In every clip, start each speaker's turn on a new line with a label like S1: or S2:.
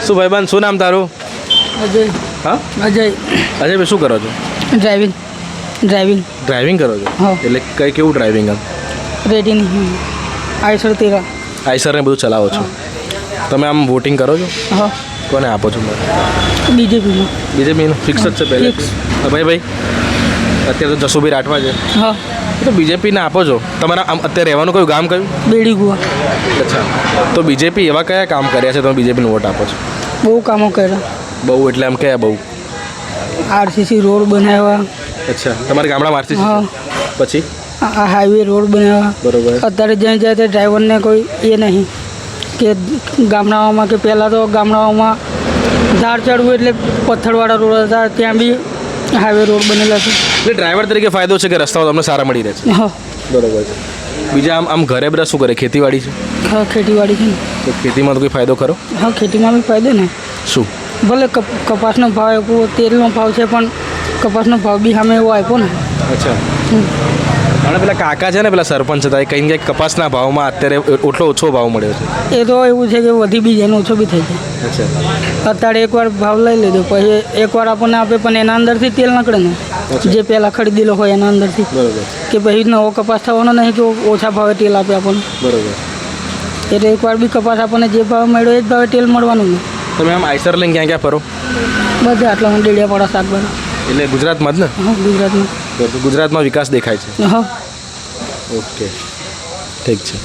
S1: શું ભાઈબંધ, શું નામ તારું?
S2: અજય.
S1: હા,
S2: અજય.
S1: અજયભાઈ શું કરો છો?
S2: ડ્રાઇવિંગ.
S1: ડ્રાઇવિંગ કરો છો?
S2: હા.
S1: એટલે કેવું ડ્રાઇવિંગ? આમ
S2: રેડીની આઈસર તેરા.
S1: આઈસરને બધું ચલાવો છો? તમે આમ વોટિંગ કરો છો?
S2: હા.
S1: કોને આપો છો?
S2: બીજેપીમાં.
S1: બીજેપીનું ફિક્સ જ છે પહેલે?
S2: ફિક્સ.
S1: ભાઈ અત્યારે તો જસુભાઈ રાઠવા છે,
S2: હા.
S1: તો બીજેપીને આપો છો. તમારા આમ અત્યારે રહેવાનું કયું ગામ કયું?
S2: બેડી ગુવા.
S1: અચ્છા, તો બીજેપી એવા કયા કામ કર્યા છે તમે બીજેપીને વોટ આપો છો?
S2: બહુ કામો કર્યા.
S1: બહુ એટલે આમ કયા બહુ?
S2: આરસીસી રોડ બનાવ્યા.
S1: અચ્છા, તમારા ગામડામાં આરસી
S2: હા.
S1: પછી
S2: આ હાઈવે રોડ બનાવ્યા.
S1: બરોબર.
S2: અત્યારે જ્યાં જાય તે ડ્રાઈવરને કોઈ એ નહીં કે ગામડાઓમાં કે પહેલાં તો ગામડાઓમાં ધાર ચડવું એટલે પથ્થરવાળા રોડ હતા, ત્યાં બી હાઈવે રોડ બનેલા છે.
S1: એટલે ડ્રાઈવર તરીકે ફાયદો છે કે રસ્તાઓ તમને સારા મળી રહે છે?
S2: હા.
S1: બરોબર છે. બીજા આમ ઘરે બધા શું કરે? ખેતીવાડી છે?
S2: હા, ખેતીવાડી છે ને.
S1: તો ખેતીમાં તો કોઈ ફાયદો ખરો?
S2: હા, ખેતીમાં બી ફાયદો ને.
S1: શું?
S2: ભલે કપાસનો ભાવ આપ્યો, તેલનો ભાવ છે, પણ કપાસનો ભાવ બી સામે એવો આપ્યો ને.
S1: અચ્છા. અને પેલા કાકા છે ને, પેલા સરપંચ હતા, એ કંઈ કપાસના ભાવમાં અત્યારે એટલો ઓછો ભાવ મળ્યો છે.
S2: એ તો એવું છે કે વધી બી જાય ને ઓછો બી થઈ જાય.
S1: અચ્છા.
S2: અત્યારે એકવાર ભાવ લઈ લીધો, પછી એકવાર આપણને આપે, પણ એના અંદરથી તેલ નીકળે ને,
S1: અચ્છા.
S2: જે પહેલાં ખરીદેલો હોય એના અંદરથી.
S1: બરોબર.
S2: કે પછી નવો કપાસ થવાનો નહીં કે ઓછા ભાવે તેલ આપે આપણને.
S1: બરોબર.
S2: એટલે એકવાર બી કપાસ આપણને જે ભાવ મળ્યો એ જ ભાવે તેલ મળવાનું ને.
S1: તમે આમ આઈસર લઈને ક્યાં ક્યાં ફરો?
S2: બધા આટલા ડેડિયાપાડા શાકભાજી.
S1: એટલે ગુજરાતમાં જ ને?
S2: હા, ગુજરાતમાં.
S1: તો ગુજરાતમાં વિકાસ દેખાય છે.
S2: હા.
S1: ઓકે, ઠીક છે.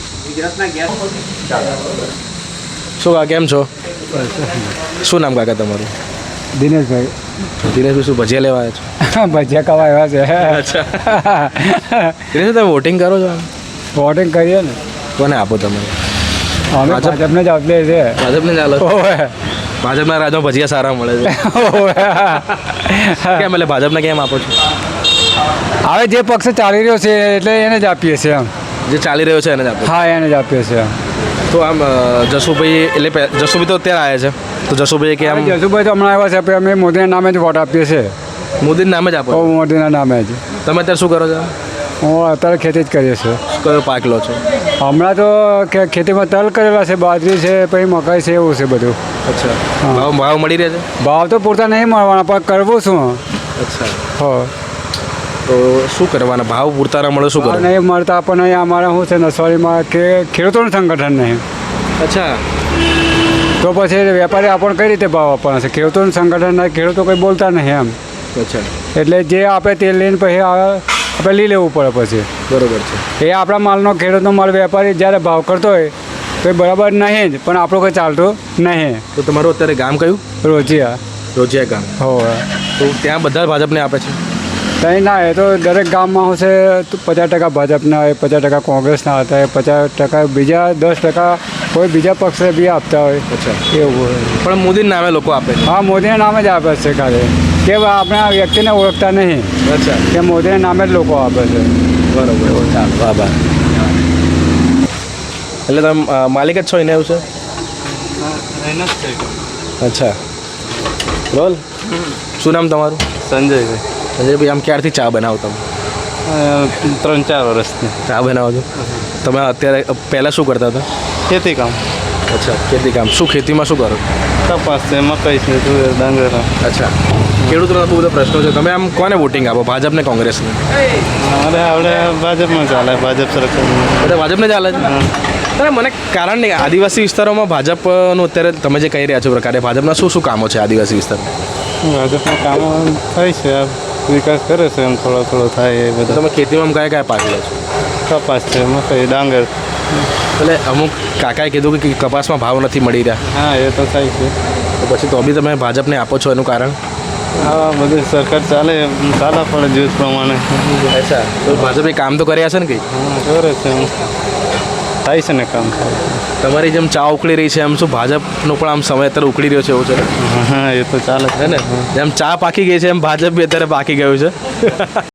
S1: શું કાકા કેમ છો? શું નામ કાકા તમારું?
S3: દિનેશભાઈ.
S1: દિનેશભાઈ શું ભજીયા લેવા આવ્યા છો?
S3: ભજીયા ખાવા આવ્યા છે.
S1: અચ્છા. દિનેશભાઈ તમે વોટિંગ કરો છો?
S3: વોટિંગ કરીએ ને.
S1: કોને આપો તમે?
S3: અમે ભાજપને જ આપીએ છે.
S1: ભાજપને ચાલો?
S3: ઓવે.
S1: ભાજપના રાજમાં ભજીયા સારા મળે છે. કેમ એટલે ભાજપને કેમ આપો છો?
S3: હવે જે પક્ષ ચાલી રહ્યો છે એટલે એને જ આપીએ છીએ આમ.
S1: જે ચાલી રહ્યો છે એને જ આપો?
S3: હા, એને જ આપીએ છીએ.
S1: તો આમ જસુભાઈ એટલે જસુભાઈ તો અત્યારે આવ્યા છે, તો જસુભાઈ કે આમ
S3: જસુભાઈ તો હમણાં આવ્યા છે, પણ અમે મોદીના નામે જ વોટ આપીએ છીએ.
S1: મોદીના નામે જ આપો?
S3: મોદીના નામે જ.
S1: તમે અત્યારે શું કરો છો?
S3: હું અત્યારે ખેતી જ કરીએ છીએ.
S1: કયો પાક લો છો?
S3: હમણાં તો ખેતીમાં તલ કરેલા છે, બાજરી છે, પછી મકાઈ છે, એવું છે બધું.
S1: અચ્છા.
S3: હા.
S1: ભાવ મળી રહે છે?
S3: ભાવ તો પૂરતા નહીં મળવાના, પણ કરવું શું?
S1: અચ્છા.
S3: હો.
S1: તો શું કરવાના? ભાવ પૂરતા ન મળે શું
S3: ભાવ
S1: કરવાનું?
S3: નહીં મળતા પણ અહીંયા અમારે શું છે નસવાડીમાં કે ખેડૂતોનું સંગઠન નહીં.
S1: અચ્છા.
S3: તો પછી વેપારી આપણને કઈ રીતે ભાવ આપવાના છે? ખેડૂતોનું સંગઠન નહીં, ખેડૂતો કંઈ બોલતા નહીં એમ.
S1: અચ્છા.
S3: એટલે જે આપે તે લઈને પછી આપણે લઈ લેવું પડે પછી.
S1: બરોબર છે.
S3: એ આપણા માલનો ખેડૂતનો માલ વેપારી જ્યારે ભાવ કરતો હોય તો એ બરાબર નહીં જ, પણ આપણું કંઈ ચાલતું નહીં.
S1: તો તમારું અત્યારે ગામ કયું?
S3: રોજિયા.
S1: રોજિયા ગામ.
S3: હોવે.
S1: તો ત્યાં બધા ભાજપને આપે છે?
S3: કંઈ ના, એ તો દરેક ગામમાં શું છે 50% ભાજપના હોય, 50% કોંગ્રેસના હતા હોય, 50% બીજા 10% કોઈ બીજા પક્ષે બી આપતા હોય.
S1: અચ્છા.
S3: એવું હોય.
S1: પણ મોદીના નામે લોકો આપે છે?
S3: હા, મોદીના નામે જ આપે છે ખાલી, કે આપણે આ વ્યક્તિને ઓળખતા નહીં,
S1: અચ્છા.
S3: કે મોદીના નામે જ લોકો આપે છે.
S1: બરોબર. ચાલો, આભાર. એટલે તમે માલિક જ છો એને એવું છે? અચ્છા. રોલ. શું નામ તમારું?
S4: સંજયભાઈ.
S1: સંજયભાઈ, આમ ક્યારથી ચા બનાવો તમે?
S4: 3-4 વર્ષથી
S1: ચા બનાવો છો? તમે અત્યારે પહેલાં શું કરતા હતા?
S4: ખેતી કામ.
S1: અચ્છા, ખેતી કામ. શું ખેતીમાં શું કરો?
S4: કપાસ છે, મકાઈ છે, તુવેર, ડાંગર.
S1: અચ્છા. ખેડૂતોના બહુ બધા પ્રશ્નો છે. તમે આમ કોને વોટિંગ આપો? ભાજપને, કોંગ્રેસને?
S4: અરે આપણે ભાજપમાં ચાલે, ભાજપ સરકાર.
S1: બધા ભાજપને ચાલે છે? અરે મને કારણ નહીં, આદિવાસી વિસ્તારોમાં ભાજપનું અત્યારે તમે જે કહી રહ્યા છો પ્રકારે ભાજપના શું શું કામો છે આદિવાસી વિસ્તારમાં?
S4: ભાજપના કામો થાય છે, આ વિકાસ કરે છે, એમ થોડો થોડો થાય એ
S1: તો
S4: બધા.
S1: તમે ખેતીમાં કયા કયા પાક લો છો?
S4: કપાસ છે, મકાઈ, ડાંગર.
S1: એટલે અમુક કાકાએ કીધું કે કપાસમાં ભાવ નથી મળી રહ્યા,
S4: હા, એ તો થાય છે.
S1: તો પછી તો બી તમે ભાજપને આપો છો, એનું કારણ?
S4: હા, બધી સરકાર ચાલે પડે જૂથ પ્રમાણે.
S1: અચ્છા. તો ભાજપે કામ તો કર્યા છે ને કંઈ?
S4: હા, કરે છે, એમ થાય છે ને કામ.
S1: તમારી જેમ ચા ઉકળી રહી છે એમ શું ભાજપનો પણ આમ સમય અત્યારે ઉકળી રહ્યો છે એવું છે?
S4: હા, એ તો ચાલે
S1: હે ને? જેમ ચા પાકી ગઈ છે એમ ભાજપ બી અત્યારે પાકી ગયું છે.